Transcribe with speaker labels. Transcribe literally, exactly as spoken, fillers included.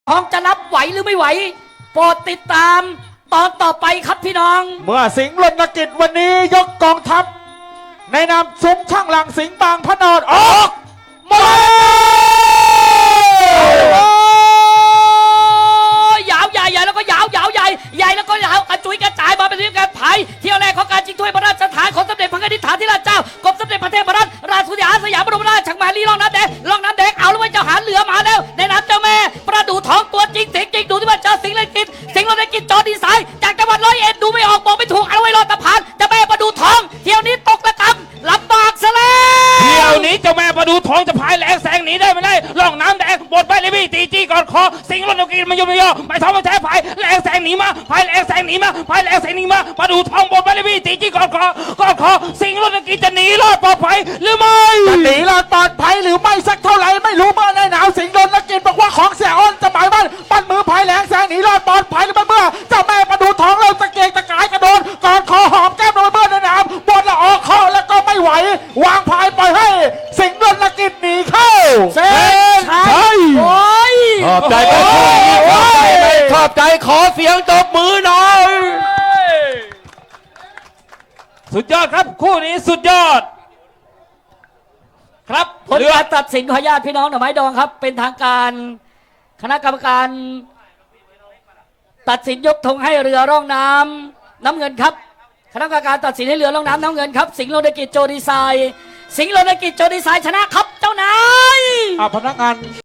Speaker 1: ท้องจะรับไหวหรือไม่ไหวโปรดติดตามตอนต่อไปครับพี่น้อง
Speaker 2: เมื่อสิงห์รณกิจวันนี้ยกกองทัพในนามซุ้มช่างหลังสิงห์บางพระนอนออกมา
Speaker 1: ยาวใหญ่ใหญ่แล้วก็ยาวยาวใหญ่ใหญ่แล้วก็ยาวกระจุยกระจายมาเป็นเรื่องการไผ่เที่ยวแรกของการชิงถ้วยพระราชทานของสมเด็จพระนิธิฐานธิราชเจ้ากรมสมเด็จพระเทพรัตนราชสุดาสยามบรมราชชังมาลีล่องน้ำแดงล่องน้ำแดงเอาแล้วว่าเจ้าหาเหลือมาแล้วในน้ำเจ้าแม่ประดูทองตัวจริงเสียงจริงดูที่ว่าเจอสิงห์รณกิจสิงห์รณกิจจอดีไซน์จากจังหวัดร้อยเอ็ดดูไม่ออกบอกไม่ถูกเอาไว้รอตะพานเจ้าแม่ประดูทองเที่ยวนี้ตกระกำลำบากซะแล้ว
Speaker 3: เที่ยวนี้เจ้าแม่ประดูทองจะพายแหลงแสงหนีได้ไม่ได้ล่องน้ำแดงบดไปเลยพี่ตีจี้กอดคอสิงห์รณกิจมันยุ่งไม่ย่อไม่ท้องไม่แท้พายแหลงแสงหนีมาพายแหลงแสงหนีมาพายแหลงแสงหนีมาประดูทองบดไปเลยพี่ตีจี้กอดคอกอดคอสิงห์รณกิจจะหนีรอดปลอดภัยหรือไม่
Speaker 2: จะหนีรอดปลอดภัยหรือไม่สักเท่าไหร่ไม่รู้เมื่อในหนาวสิงห์รณกิจบอกว่าของเสียอ้นจะหมายมั่นปั้นมือพายแหลงแสงหนีรอดปลอดภัยหรือไม่เมื่อเจ้าแม่ประดูทองเราตะเกียกตะกายกระโดดกอดคอหอมแก้มโดนเมื่อในหนาวบนละออกคอแล้วก็ไม่ไหววางพายปล่อยให้สิงห์รณกิจหนีเข้า
Speaker 1: เส้นชัยโอ้ย
Speaker 2: ขอบใจไปขอบใจไปขอบใจขอเสียงตบมือหน่อย
Speaker 3: สุดยอดครับคู่นี้สุดยอดครับ
Speaker 1: ผลการตัดสินขออนุญาตพี่น้องหน่อไม้ดองครับเป็นทางการคณะกรรมการตัดสินยกธงให้เรือร่องน้ำน้ำเงินครับคณะกรรมการตัดสินให้เรือร่องน้ำน้ำเงินครับสิงห์รณกิจโจดีไซน์สิงห์รณกิจโจดีไซน์ชนะครับเจ้านาย
Speaker 2: พนักงาน